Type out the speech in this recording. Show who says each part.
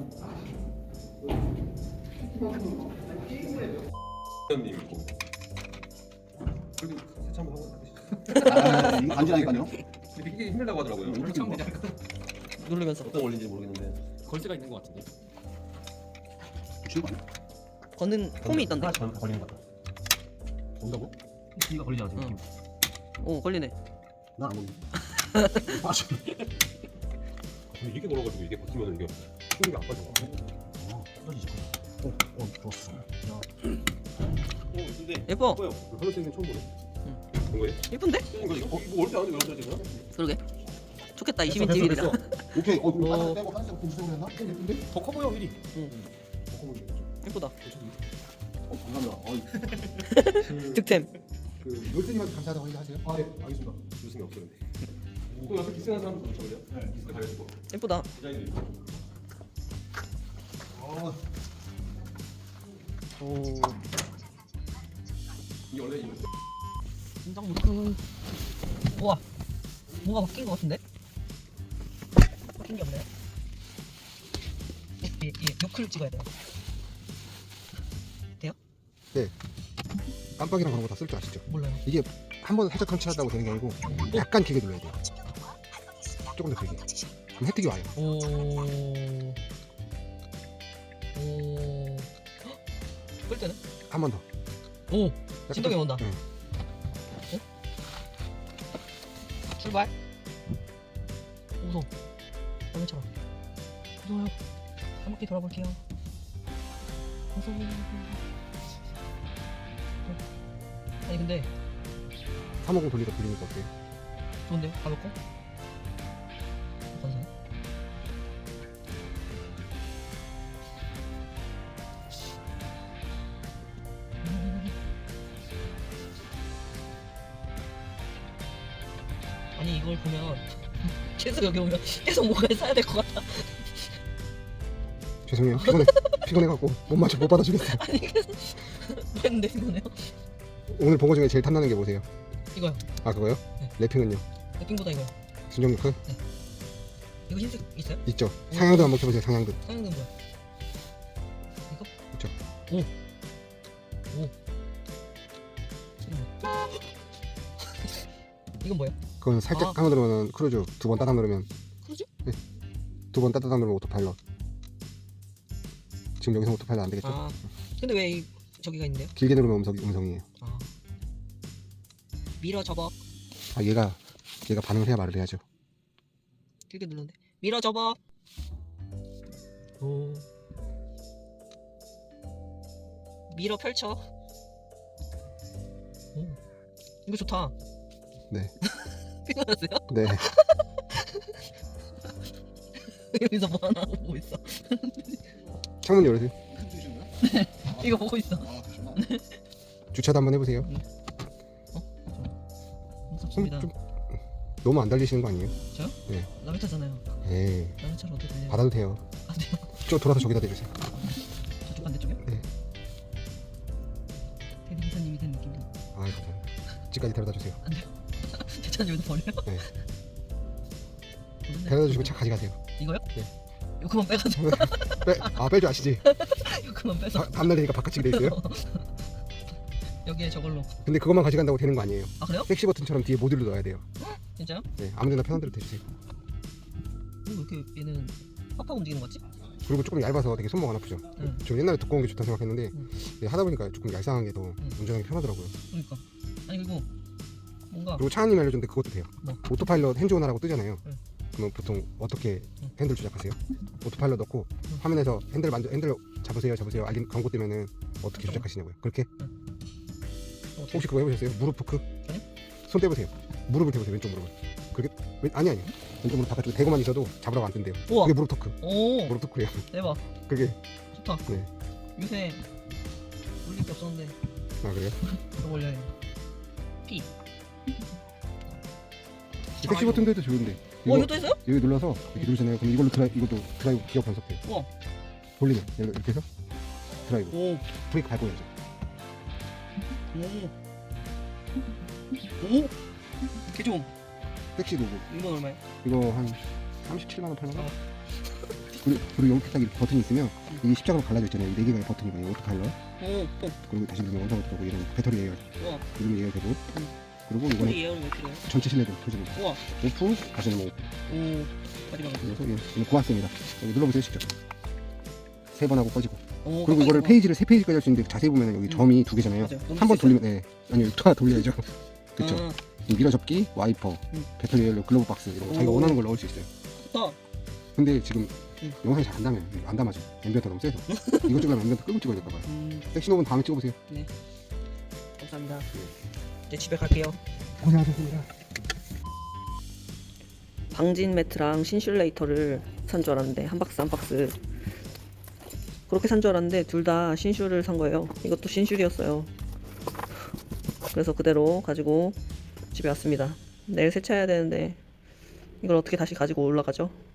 Speaker 1: 회원님 있고. 그래도 세차 한번 하고
Speaker 2: 이거 안지라니까요.
Speaker 1: 이게 힘들다고 하더라고요.
Speaker 3: 누르면서
Speaker 1: 어떤 원리인지 모르겠는데.
Speaker 4: 걸쇠가 있는 것 같은데.
Speaker 2: 붙이는 거 아니야?
Speaker 3: 걷는 폼이 있던데.
Speaker 1: 하나 전 걸리는 것 같아.
Speaker 4: 온다고?
Speaker 1: 이가 걸리잖아 지금.
Speaker 3: 응. 오 걸리네.
Speaker 2: 난안 먹는. 아, 저-
Speaker 1: 근데 이렇게 걸어가지고 이게 버티면 이게 충격이 안 빠져.
Speaker 2: 떨어지지. 좋았어.
Speaker 1: 근데
Speaker 3: 예뻐.
Speaker 1: 예뻐요. 하늘 생긴 처음 보네. 본 거예요?
Speaker 3: 예쁜데?
Speaker 1: 이거 올때 하는데 왜 그러지 지금?
Speaker 3: 그러게. 좋겠다 20인 TV들이라.
Speaker 2: 오케이. 그럼
Speaker 3: 어.
Speaker 2: 하나 빼고 하나씩 분수로 했나? 예쁜데?
Speaker 4: 더 커 보여 휠이.
Speaker 3: 예쁘다.
Speaker 2: 감사합니다.
Speaker 3: 득템.
Speaker 2: 그 열쇠님한테 감사하다고 하세요? 아, 네, 알겠습니다.
Speaker 1: 무슨 없어 근데. 또 옆에 기스난 사람도 붙여버려. 네. 기스 가려주고.
Speaker 3: 예쁘다.
Speaker 1: 디자인도 있고.
Speaker 3: 오.
Speaker 1: 이게 원래 이거.
Speaker 3: 긴장 못. 우와. 뭔가 바뀐 것 같은데? 바뀐 게 없네. 이 요크를 찍어야 돼요. 돼요?
Speaker 2: 네. 깜빡이랑 그런 거 다 쓸 줄 아시죠?
Speaker 3: 몰라요.
Speaker 2: 이게 한 번 살짝 터치하다고 되는 게 아니고 약간 길게 눌러야 돼요. 조금 더 길게. 그럼 혜택이 와요.
Speaker 3: 오. 오. 끌 때는?
Speaker 2: 한 번 더.
Speaker 3: 오.
Speaker 2: 약간
Speaker 3: 진동이
Speaker 2: 좀-
Speaker 3: 온다.
Speaker 2: 응.
Speaker 3: 어? 출발. 무서워. 얼마처럼. 무서워요. 한 바퀴 돌아볼게요. 무서워. 아니 근데
Speaker 2: 350 돌리다 돌리니까 어때요?
Speaker 3: 좋은데요? 가볍고? 감사해요. 아니 이걸 보면 계속 여기 오면 계속 뭔가를 사야 될 것 같아.
Speaker 2: 죄송해요. 피곤해갖고 못 받아주겠어요.
Speaker 3: 아니 계속 뭐 했는데 이거네요?
Speaker 2: 오늘 본 거 중에 제일 탐나는 게 뭐세요?
Speaker 3: 이거요.
Speaker 2: 아 그거요?
Speaker 3: 네.
Speaker 2: 래핑은요?
Speaker 3: 랩핑보다 이거요.
Speaker 2: 순정 요크?
Speaker 3: 이거 흰색 있어요?
Speaker 2: 있죠. 상향도 한번 켜보세요. 상향도.
Speaker 3: 상향등 뭐야? 이거?
Speaker 2: 있죠.
Speaker 3: 오. 오. 이건 뭐야?
Speaker 2: 그건 살짝
Speaker 3: 아.
Speaker 2: 감아 누르면 크루즈, 두 번 따닥 누르면
Speaker 3: 크루즈?
Speaker 2: 네. 두 번 따닥 누르면 오토파일럿. 지금 여기서 오토파일럿 안 되겠죠?
Speaker 3: 아. 근데 왜 이 저기가 있는데요?
Speaker 2: 길게 누르면 음성이에요.
Speaker 3: 아. 미러 접어.
Speaker 2: 아 얘가 반응을 해야 말을 해야죠.
Speaker 3: 길게 누르는데. 미러 접어. 오. 미러 펼쳐. 오. 이거 좋다.
Speaker 2: 네.
Speaker 3: 피곤하세요?
Speaker 2: 네.
Speaker 3: 여기서 뭐 하나 보고 있어.
Speaker 2: 창문 열으세요.
Speaker 3: 이거 보고 있어.
Speaker 2: 주차도 한번 해보세요.
Speaker 3: 무섭습니다.
Speaker 2: 좀 너무 안 달리시는 거 아니에요?
Speaker 3: 저요?
Speaker 2: 네.
Speaker 3: 남의 차잖아요.
Speaker 2: 에이
Speaker 3: 남의 차를 어떻게 달려요?
Speaker 2: 받아도 돼요.
Speaker 3: 안 돼요.
Speaker 2: 저 돌아서 저기다 대주세요.
Speaker 3: 저쪽 반대쪽이요?
Speaker 2: 네.
Speaker 3: 대리 기사님이 된 느낌이.
Speaker 2: 아 감사합니다. 집까지 데려다 주세요.
Speaker 3: 안 돼요. 제 차는 여기서 버려요?
Speaker 2: 네.
Speaker 3: 좋은데?
Speaker 2: 데려다 주시고 차 가져가세요.
Speaker 3: 이거요?
Speaker 2: 네.
Speaker 3: 이거 그만 빼가지고.
Speaker 2: 뺄 줄 아시지?
Speaker 3: 이거 그만 빼서.
Speaker 2: 밤날 되니까 바깥집에 돼 있어요.
Speaker 3: 여기에 저걸로.
Speaker 2: 근데 그것만 가져간다고 되는 거 아니에요.
Speaker 3: 아 그래요?
Speaker 2: 택시 버튼처럼 뒤에 모듈로 넣어야 돼요.
Speaker 3: 진짜요?
Speaker 2: 네, 아무데나 편한 대로 대주세요.
Speaker 3: 왜 이렇게 얘는 팍팍 움직이는 거지?
Speaker 2: 그리고 조금 얇아서 되게 손목 안 아프죠.
Speaker 3: 응.
Speaker 2: 저 옛날에 두꺼운 게 좋다 생각했는데
Speaker 3: 응.
Speaker 2: 네, 하다 보니까 조금 얄쌍한 게 더 운전하기 편하더라고요.
Speaker 3: 그러니까. 아니 그리고 뭔가
Speaker 2: 그리고 차은님이 알려줬는데 그것도 돼요.
Speaker 3: 뭐?
Speaker 2: 오토파일럿 핸즈온하라고 뜨잖아요.
Speaker 3: 응.
Speaker 2: 그러면 보통 어떻게
Speaker 3: 응.
Speaker 2: 핸들 조작하세요? 오토파일럿 넣고 화면에서 핸들 잡으세요 알림 광고 뜨면은 어떻게 조작하시냐고요. 그렇게
Speaker 3: 어떻게?
Speaker 2: 혹시 그거 해보셨어요? 무릎 포크?
Speaker 3: 아니요.
Speaker 2: 손 떼보세요. 무릎을 대보세요. 왼쪽 무릎을. 그게 아니 왼쪽 무릎 바깥쪽에 대고만 있어도 잡으라고 안 뜬대요.
Speaker 3: 우와.
Speaker 2: 그게 무릎 토크.
Speaker 3: 오
Speaker 2: 무릎 토크래요.
Speaker 3: 대박.
Speaker 2: 그게
Speaker 3: 좋다.
Speaker 2: 네.
Speaker 3: 요새 올릴 게 없었는데
Speaker 2: 아 그래요?
Speaker 3: 이거 올려야 돼. P.
Speaker 2: 택시 버튼도 해도 좋은데.
Speaker 3: 이것도 했어요?
Speaker 2: 여기 눌러서 이렇게 누르잖아요. 그럼 이것도 드라이브 기어 변속돼요.
Speaker 3: 우와.
Speaker 2: 돌리면 이렇게 해서 드라이브.
Speaker 3: 오.
Speaker 2: 브레이크 밟고 해야죠.
Speaker 3: 오. 개 좋음.
Speaker 2: 택시 로고.
Speaker 3: 이건 얼마예요?
Speaker 2: 이거 한 37만 원, 8만 원. 그리고 여기 딱 이렇게 버튼이 있으면 이게 십자가로 갈라져 있잖아요. 이 4개가 버튼이거든요. 오토파일럿. 그리고 다시 누르면 원상으로 들어오고 얘는 배터리 예열.
Speaker 3: 우와.
Speaker 2: 누르면 예열되고. 그리고
Speaker 3: 소리
Speaker 2: 이거는
Speaker 3: 예열을 왜 필요해?
Speaker 2: 전체 실내도 켜집니다.
Speaker 3: 우와.
Speaker 2: 오프 다시는 뭐
Speaker 3: 오. 마지막에.
Speaker 2: 그래서 얘는 고압습니다. 여기 눌러보세요 직접. 3번 하고 꺼지고.
Speaker 3: 오,
Speaker 2: 그리고 이거를
Speaker 3: 깜빡이구나.
Speaker 2: 페이지를 3페이지까지 할 수 있는데 자세히 보면 여기 점이 2개잖아요.
Speaker 3: 맞아요. 너무
Speaker 2: 한 번
Speaker 3: 비싸.
Speaker 2: 돌리면 네. 아니요 다 돌려야죠. 그쵸.
Speaker 3: 아,
Speaker 2: 이 미러 접기, 와이퍼, 배터리 연료, 글로브 박스 이런 거 자기가
Speaker 3: 오.
Speaker 2: 원하는 걸 넣을 수 있어요.
Speaker 3: 좋다.
Speaker 2: 근데 지금 영상이 잘 안 담아요. 안 담아져. 앰비언트 너무 세서. 이거 찍으려면 앰비언트 끄고 찍어야 될까 봐요. 섹시노브는 다음에 찍어보세요.
Speaker 3: 감사합니다. 이제 집에 갈게요.
Speaker 2: 고생하셨습니다.
Speaker 3: 방진 매트랑 신슐레이터를 산 줄 알았는데 한 박스 한 박스 그렇게 산 줄 알았는데 둘 다 신슐을 산 거예요. 이것도 신슐이었어요. 그래서 그대로 가지고 집에 왔습니다. 내일 세차해야 되는데 이걸 어떻게 다시 가지고 올라가죠?